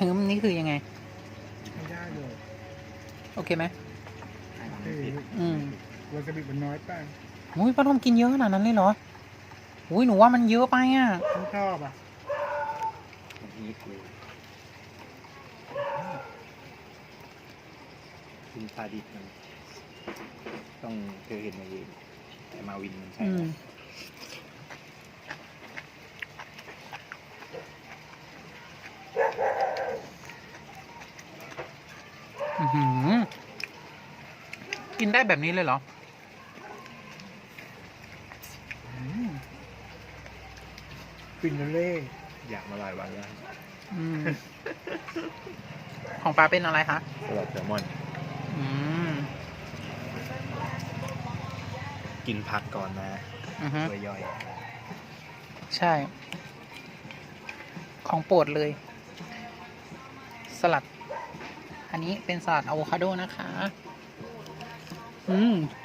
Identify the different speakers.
Speaker 1: ฮึมนี่คือยังไง
Speaker 2: ไม่ได้เลย
Speaker 1: โอเคไหม
Speaker 2: อืมวาซาบิมันน้อยไป
Speaker 1: อุ้ยป้าทอมกินเยอะขนาดนั้นเลยเหรออุ้ยหนูว่ามันเยอะไปอ่ะ
Speaker 2: ฉันชอบอ่ะ
Speaker 3: มันฮีทเลยกินปลาดิบมันต้องเคยเห็นในแต่มาวินมันใช่
Speaker 1: อืม อื้อหือกินได้แบบนี้เลยเหรอ
Speaker 2: ฟินาเล่
Speaker 3: อยากมาหลายวันแล้ว
Speaker 1: อืม ของปลาเป็นอะไรคะ
Speaker 3: สลัดแซลมอน
Speaker 1: อืม
Speaker 3: กินผักก่อนนะ
Speaker 1: อือฮึ
Speaker 3: เพื่อย่อย
Speaker 1: ใช่ ของโปรดเลย สลัด อันนี้เป็นสลัดอะโวคาโดนะคะ อืม